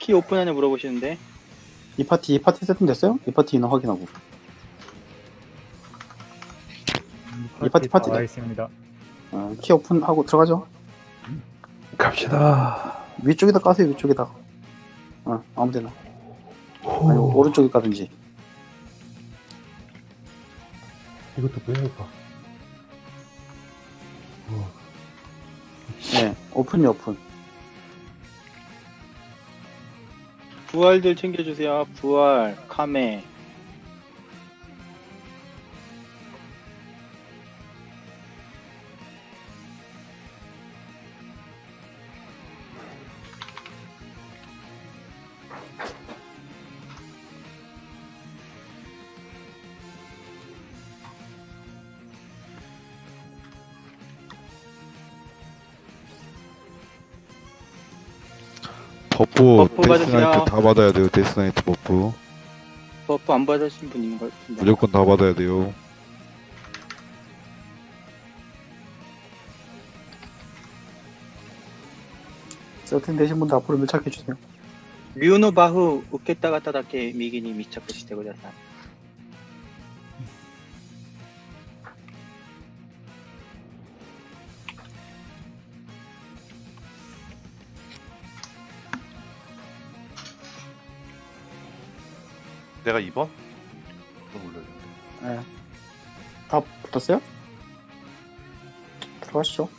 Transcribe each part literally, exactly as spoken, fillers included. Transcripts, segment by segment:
키 오픈하냐 물어보시는데. 이 파티 이 파티 세팅 됐어요? 이 파티 인원 확인하고. 이 파티 파티 와 있습니다. 어, 키 오픈하고 들어가죠. 갑시다. 위쪽에다 까세요. 위쪽에다. 어, 아무데나. 아니 오른쪽에 까든지. 이것도 빼야겠다. 네, 오픈이 오픈. 부활들 챙겨주세요. 부활, 카메. 버프, 버프 데스나이트 받으세요. 다 받아야 돼요. 데스나이트 버프 버프 안 받으신 분 있는 것 같은데. 무조건 다 받아야 돼요. 세팅 되신 분들 앞으로 밀착해 주세요. 뮤노 바후 웃겠다가 따다게 미기니 미착してください. 내가 이 번? 좀 올려야겠는데. 네. 다 붙었어요? 들어가시죠.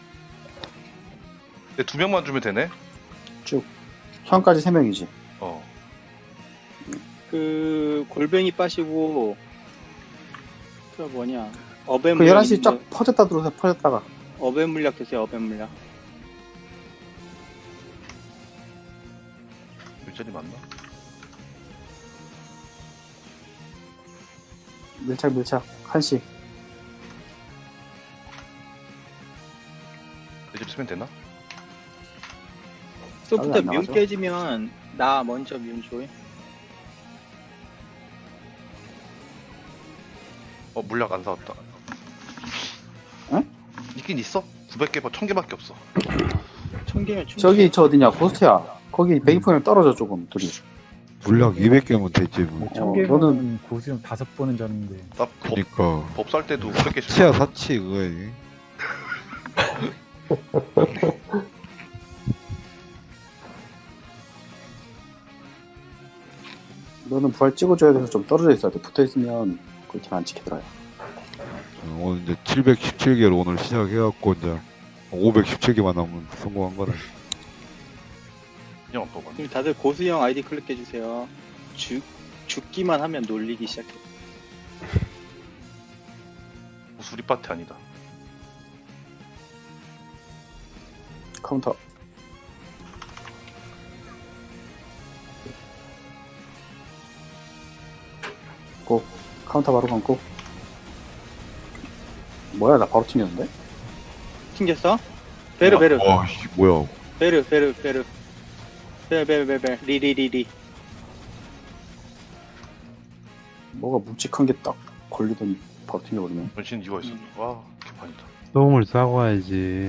근데 두 명만 주면 되네? 쭉. 현까지 세 명이지. 어. 그 골뱅이 빠시고 그 뭐냐 어벤 그 물약 열한 시 쫙 있는데 퍼졌다 들어오세요. 퍼졌다가. 어벤 물약 드세요. 어벤 물약. 일자리 맞나? 밀착 밀착. 한 시. 내 집 쓰면 되나? 소프트 안 뮨 나가죠? 깨지면 나 먼저 뮨 줘요. 어, 물약 안 사왔다. 응? 있긴 있어? 구백 개, 천 개밖에 없어. 천 개면 충분히. 저기 저 어디냐 고스트야. 거기 배기포랑 떨어져 조금 둘이. 물약 이백 개면 되지 뭐. 어, 천 개면 고수용 다섯 번은 졌는데. 나 법, 그니까 법 살 때도 구백 개씩. 사치야 사치 그거에. 너는 부활 찍어줘야 돼서 좀 떨어져 있어야 돼. 붙어 있으면 그렇게 안 찍히더라요. 어, 오늘 이제 칠백십칠 개로 오늘 시작해갖고 이제 오백십칠 개만 남으면 성공한 거네. 그냥 안 뽑아. 지금 다들 고수형 아이디 클릭해 주세요. 죽 죽기만 하면 놀리기 시작해. 수리 파티 아니다. 카운터. 고. 카운터 바로 감고. 뭐야 나 바로 튕겼는데? 튕겼어? 베르 베르 와, 씨, 뭐야? 베르 베르 베르 베르 베르 베르 베르 리리리리. 뭐가 묵직한 게 딱 걸리더니 바로 튕겨버리네. 전신 이거 있어. 와, 개판이다. 똥을 싸고 와야지.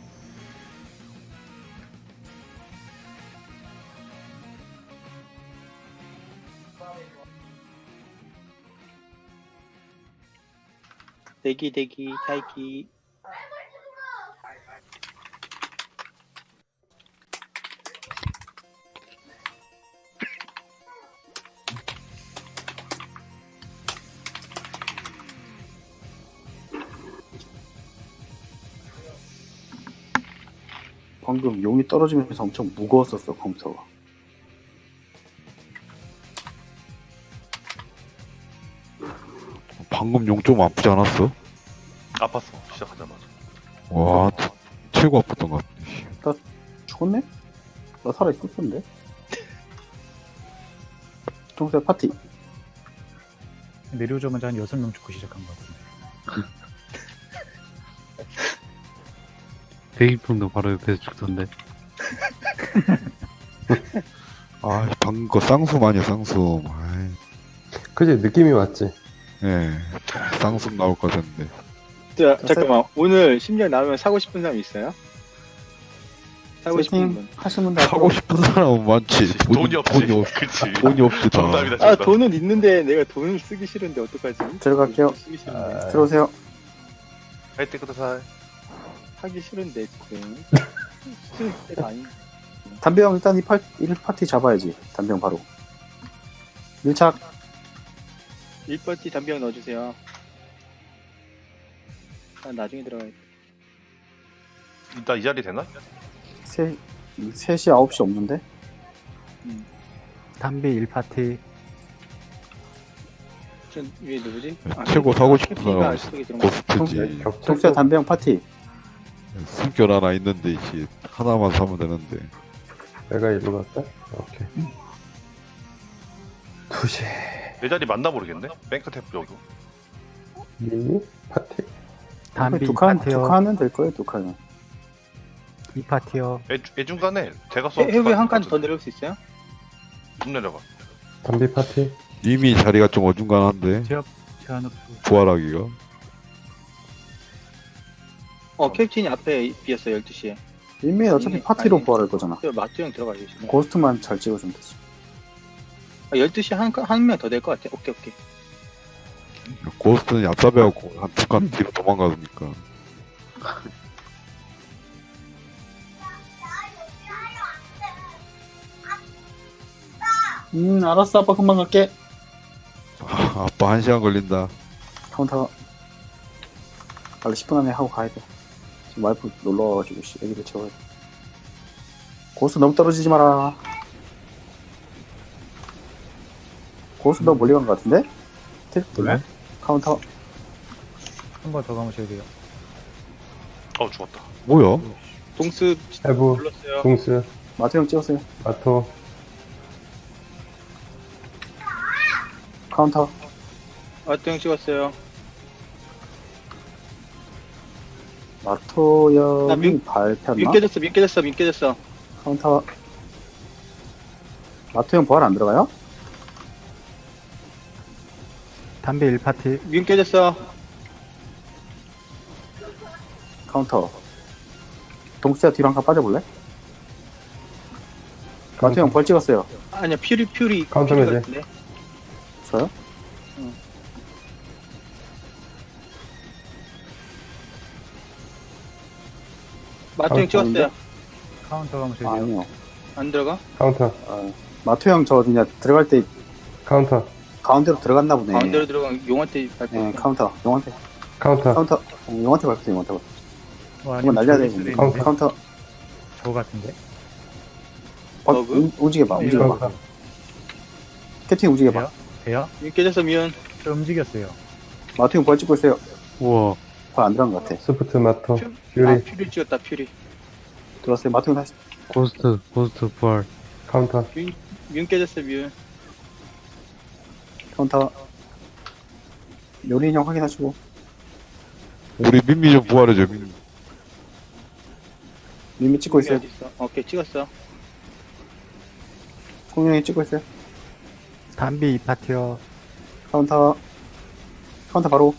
대기 대기待機. 방금 용이 떨어지면서 엄청 무거웠었어 컴퓨터가. 방금 용 좀 아프지 않았어? 아팠어, 시작하자마자. 와, 최고 아팠던 것 같아. 죽었네? 나 살아있었었는데? 동생 파티. 내려오자마자 한 여섯 명 죽고 시작한 것 같은데. 대기품도 바로 옆에서 죽던데. 아, 방금 거 쌍수 아니야 쌍수. 아이, 그지 느낌이 왔지. 예, 쌍수 나올 것 같은데. 자, 잠깐만. 오늘 심리학 나오면 사고 싶은 사람 있어요? 사고 싶은 세팅 분. 하시는 분들 사고 싶은 사람은 많지. 돈이 없지. 돈이, 없, 그치. 돈이 없지, 다. 정답이다, 아 정답. 돈은 있는데 내가 돈을 쓰기 싫은데 어떡하지? 들어갈게요. 쓰기 싫은데. 들어오세요. 할때 그다사 하기 싫은데 지금. 싫을 때가 아니. 담배형 일단 이 팔, 일 파티 잡아야지. 담배형 바로. 밀착. 일 파티 담배형 넣어주세요. 아, 나중에 들어가야 돼. 나 이 자리 되나? 세, 세 시, 아홉 시 없는데? 담비 일 파티. 저 위에 누구지? 아, 최고 사고 싶은 캡틴이가 사람은 속에 들어온 거. 고스트지. 독수야 담배형 파티. 숨결 하나 있는데, 씨. 하나만 사면 되는데. 내가 일로 갈까? 오케이. 두 시. 내 자리 맞나 모르겠네. 뱅크 탭 여기. 미니 파티. 담비 두 이 칸, 파티요. 두 칸은 될 거예요, 두 칸은. 이 파티요. 애, 애중간에 제가 써. 해외 한칸 더 내려올 수 있어요? 좀 내려가. 담비 파티. 이미 자리가 좀 어중간한데, 제압 제한으로. 부활하기가. 어 캡틴이 앞에 비었어 열두 시에. 이미 어차피 아니, 파티로 아니. 부활할 거잖아. 마트 형 들어가 계시네. 고스트만 잘 찍어주면 되지. 아, 열두 시 한, 한 명 더 될 것 같아. 오케이 오케이. 고스트는 얍삽해갖고 한 두 칸 뒤로 도망가니까. 음, 알았어. 아빠 금방 갈게. 아, 아빠 한 시간 걸린다. 카운터. 빨리 십 분 안에 하고 가야 돼. 지금 와이프 놀러 와가지고, 씨, 애기를 채워야 돼. 고스트 너무 떨어지지 마라. 고스트 너무 멀리 간 것 같은데? 틱, 네? 카운터. 한 번 더 감으셔야 돼요. 어 죽었다. 뭐야? 동수 해부. 불렀어요. 동스. 마트 형 찍었어요. 마토. 카운터. 마트 형 찍었어요. 마토 나 형이 민- 밟혔나? 민 깨졌어 민 깨졌어 민 깨졌어. 카운터. 마토 형 부활 안 들어가요? 담비 일 파티. 민 깨졌어. 카운터. 동수야 뒤로 한 칸 빠져볼래? 마토 형 벌 찍었어요. 아니야 퓨리 퓨리 카운터 퓨리 매제. 같은데. 저요? 마트 형 찍었어요. 카운터 감으셔야 아, 돼요. 아니요. 안 들어가? 카운터. 아, 마토 형 저 그냥 들어갈 때 카운터. 가운데로 들어갔나 보네. 가운데로 들어간 용한테 밟혔어. 네, 카운터. 용한테. 카운터. 카운터. 어, 용한테 밟혔어, 용한테 밟혔어. 와, 이건 아니면 날려야 저기 돼. 수도 카운터. 있는데? 카운터. 저 같은데? 버, 버그? 움, 움직여봐, 움직여봐. 카운터. 캡틴 움직여봐. 돼요? 돼요? 민 깨졌어 미운. 저 움직였어요. 마토 형 벌 찍고 있어요. 우와. 벌 안 들어간 것 같아. 스프트 마토. 퓨- 아 퓨리. 퓨리 찍었다 퓨리. 들어왔어요. 마토 형 다시. 고스트. 고스트 부활. 카운터. 민 깨졌어 미운. 카운터. 요리 인형 확인하시고. 우리 민미 좀 부활해줘, 민미. 미미 찍고 있어요. 어디 있어? 오케이 찍었어. 공룡이 찍고 있어요. 담비 이 파티요. 카운터. 카운터 바로.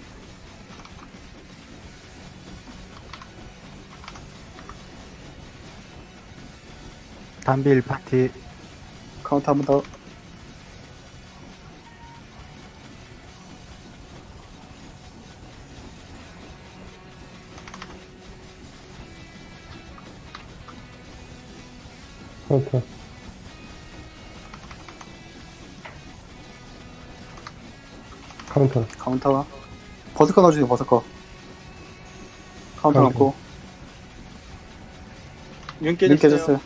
담비 일 파티. 카운터 한 번 더. 카운터. 카운터. 카운터. 버스커 넣어주세요, 버스커. 카운터 카운터. 넣고. 민 민 깨졌어요. 깨졌어요.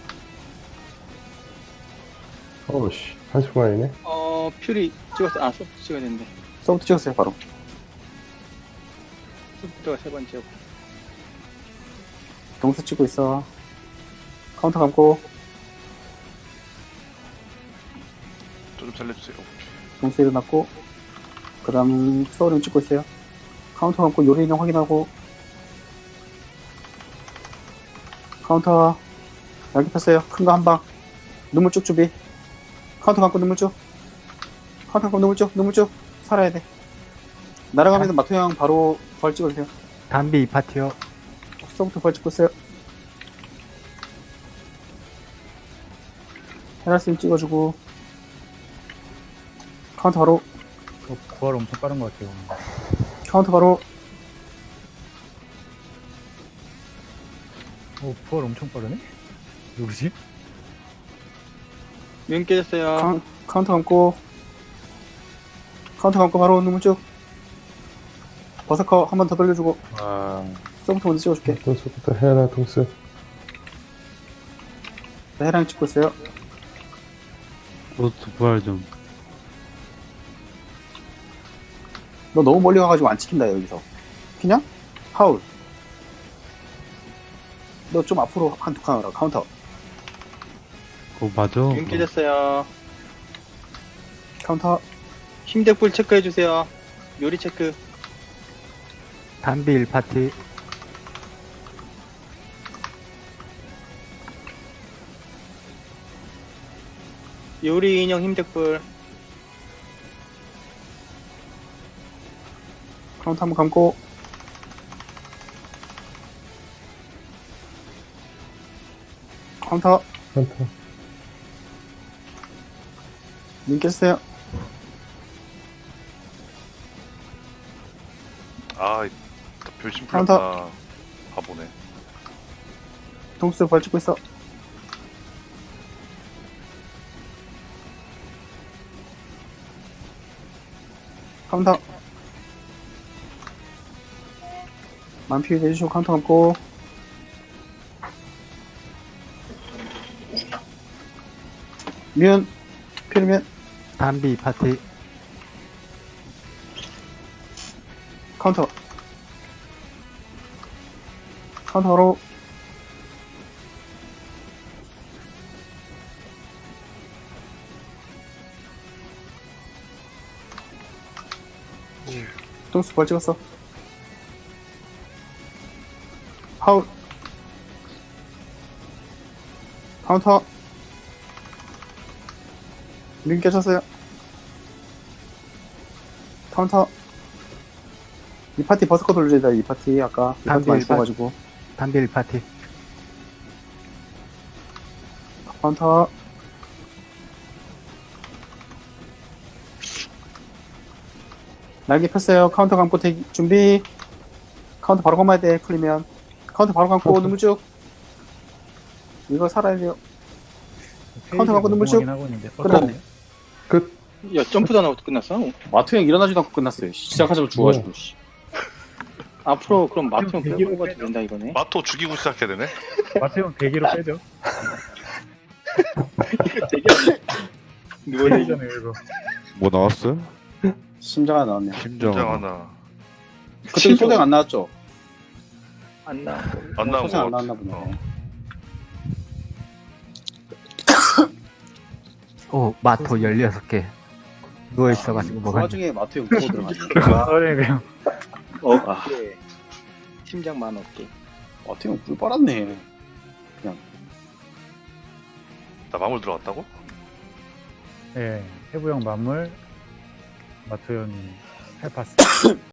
어우씨. 한 순간이네. 어 퓨리 찍었어. 아 소프트 찍어야 되는데. 서부터 찍었어요, 바로. 소프트가 세 번째고. 동수 찍고 있어. 카운터 감고. 좀 살려주세요. 동수 일어났고. 그 다음, 소울은 찍고 있어요. 카운터 감고 요리 인형 확인하고. 카운터. 여기 폈어요. 큰 거 한 방. 눈물 쭉 준비. 카운터 감고 눈물 쭉. 카운터 감고 눈물 쭉. 눈물 쭉. 살아야 돼. 날아가면서 마토 형 바로 벌 찍어주세요. 담비 이 파티요. 서부터 벌 찍고 있어요. 헤라스님 찍어주고. 카운터 바로. 어, 부활 엄청 빠른 것 같아요. 카운터 바로. 오, 부활 엄청 빠르네? 누구지? 면 깨졌어요. 카운, 카운터 감고. 카운터 감고 바로 눈물 쭉. 버서커 한 번 더 돌려주고. 아, 서부터 먼저 찍어줄게. 동수부터 헤라 동수. 네, 해랑 찍고 있어요. 로스트 부활 좀. 너 너무 멀리 가가지고 안 찍힌다 여기서. 피냐? 파울. 너 좀 앞으로 한 두 칸 하라. 카운터. 그거 맞아? 면 깨졌어요. 카운터. 힘대불 체크해주세요. 요리 체크. 담비 일 파티. 요리 인형 힘대불. 카운터 한번 감고. 카운터. 카운터. 눈 깼어요. 아, 이- 별심 카운터. 풀렸다. 바보네. 동수 벌 찍고 있어. 카운터. 만피 내주시고 카운터 감고. 면. 필면. 담비 이 파티. 카운터. 카운터로. 동수 벌 찍었어. 파울. 카운터. 링 깨졌어요. 카운터. 이 파티 버스커 돌려야 돼, 이 파티. 아까 이 파티 담비 많이 일 파- 써가지고. 담비 일 파티. 카운터. 날개 폈어요. 카운터 감고 대기, 준비. 카운터 바로 감아야 돼, 풀리면. 카운터 바로 감고, 눈물 쭉. 이거 살아야 돼요. 카운터 갖고 눈물 쭉. 하고 있는데. 끝났네. 야, 점프도 안 하고 끝났어? 마트 형 일어나지도 않고 끝났어요. 시작하자마자 죽어가지고. 씨. 앞으로 그럼 마트형 대기로 끌고 가도 된다 이거네. 마토 죽이고 시작해야 되네. 마태형 대기로 빼죠. 누워 있는 대기잖아요, 이거. 뭐 나왔어요? 심장 하나 나왔네. 심장. 장 하나. 그때 소생 안 나왔죠? 안 나. 안 나온 소생 거 안 같아. 나왔나 보네. 어. 오, 마토 열여섯 개. 누워있어가지고 그 뭐가. 와중에 마트 형 보고 들어가네. 그래, 그냥. 어깨. 심장 만 어깨. 마트 형 꿀 빨았네. 나 마물 들어갔다고? 예, 해부형 만물. 마토 형이 해파스.